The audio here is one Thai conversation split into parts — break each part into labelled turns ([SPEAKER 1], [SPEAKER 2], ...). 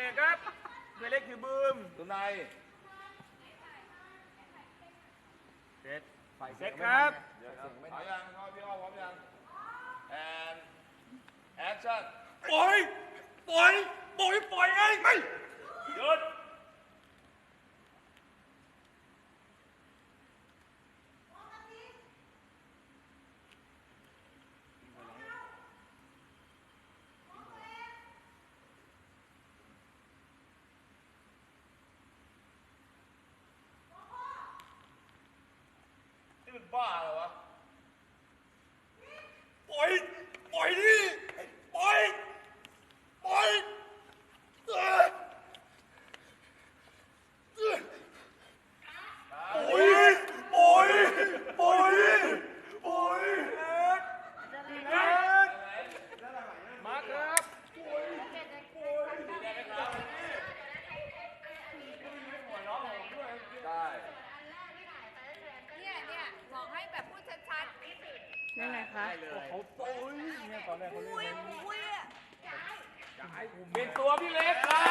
[SPEAKER 1] เลกครับตัวเล็กคือบูม
[SPEAKER 2] ตัวใน
[SPEAKER 1] เซตครับ
[SPEAKER 2] เอายังพี่อ้อพร้อมยังand action
[SPEAKER 1] ปล่อยไงไม่หยุด
[SPEAKER 2] นี่มันบ้าเหรอวะ
[SPEAKER 1] ปล่อยดิปล่อยโอ้ยโอ้ยมาครับ
[SPEAKER 2] ได้
[SPEAKER 3] เนี่ยบอกให้แบบพูดชัดๆ
[SPEAKER 4] ยังไงคะ
[SPEAKER 1] เขาโอ้ยเนี่ยตอนแรกเขาเล่น
[SPEAKER 3] อุ้ยอ่ะ
[SPEAKER 1] เป็นตัวพี่เล็กครับ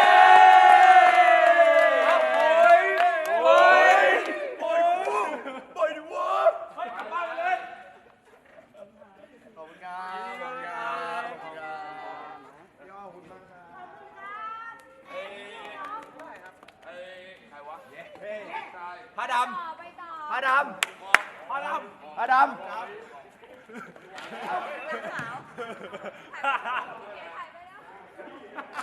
[SPEAKER 1] ปล่อยดิวะให้กลับบ้านเลย
[SPEAKER 2] ขอบคุณครับพี่อ้อคุณมากครับไอ้ใครวะใช่
[SPEAKER 1] ผ้าด
[SPEAKER 3] ต่อไปต่อ
[SPEAKER 1] ำผ้าดำผ้าดำผ้าดำ
[SPEAKER 3] ขาวถ่ายไปแล้ว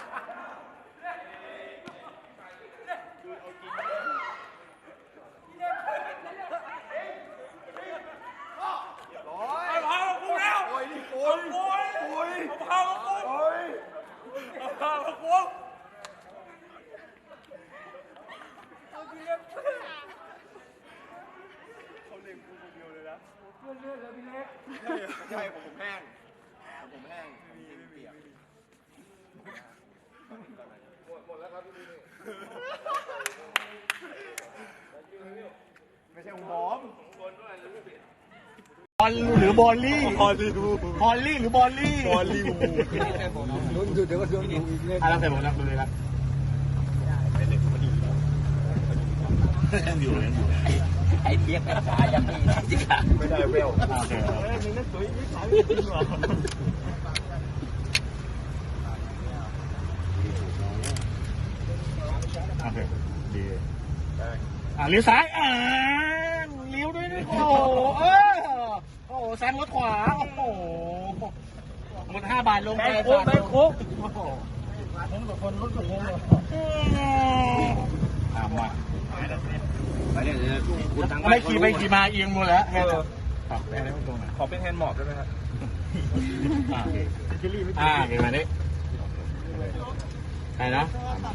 [SPEAKER 1] เอาพามากูแล้วโอ้ยนี่โอ้ยเอาพามากูเอาพามากูเขาเล่นกูคนเดียวเลยนะเพื่อนเลือดแล้วพี่เล็ก
[SPEAKER 2] ใช่ผมแห้งผมแห้งเปียกหมดแล้วครับพี่นี่ไม่ใช่ของผม
[SPEAKER 1] บอลหรือบอลลี่บอลลี่หรือบอลลี่บอลลี่ลุ้นเดี๋ยวก็ลุ้นอีกอะไรใส่หมดแล้วเลยครับไอ้เทียบกับขายังไม่จิกาไม่ได้เวลโอเคนี่นั่นสวยนี่ขายไม่จริงหรอโอเคดีเลี้ยวซ้ายเลี้ยวด้วยนะโอ้โหโอ้โหแซงรถขวาโอ้โหหมด5 บาทลงไปโค้งโค้งโอ้โหผมกับคนรถกับผมเลยมาไม่ขี่ไปขี่มาเอียงหมดแล้วครับแพ้ได้ตรงไหนขอเป็นแฮนด์หมอบได้ไหมครับเดี๋ยวมาดิไปนะ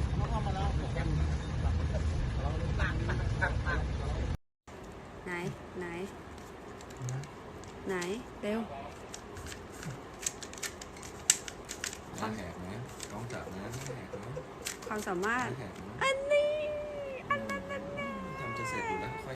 [SPEAKER 4] ไหนเร็ว
[SPEAKER 2] แหกนะน้องจับนะแหกนะ
[SPEAKER 4] ความสามารถ
[SPEAKER 2] แหกนะ
[SPEAKER 4] อันนี้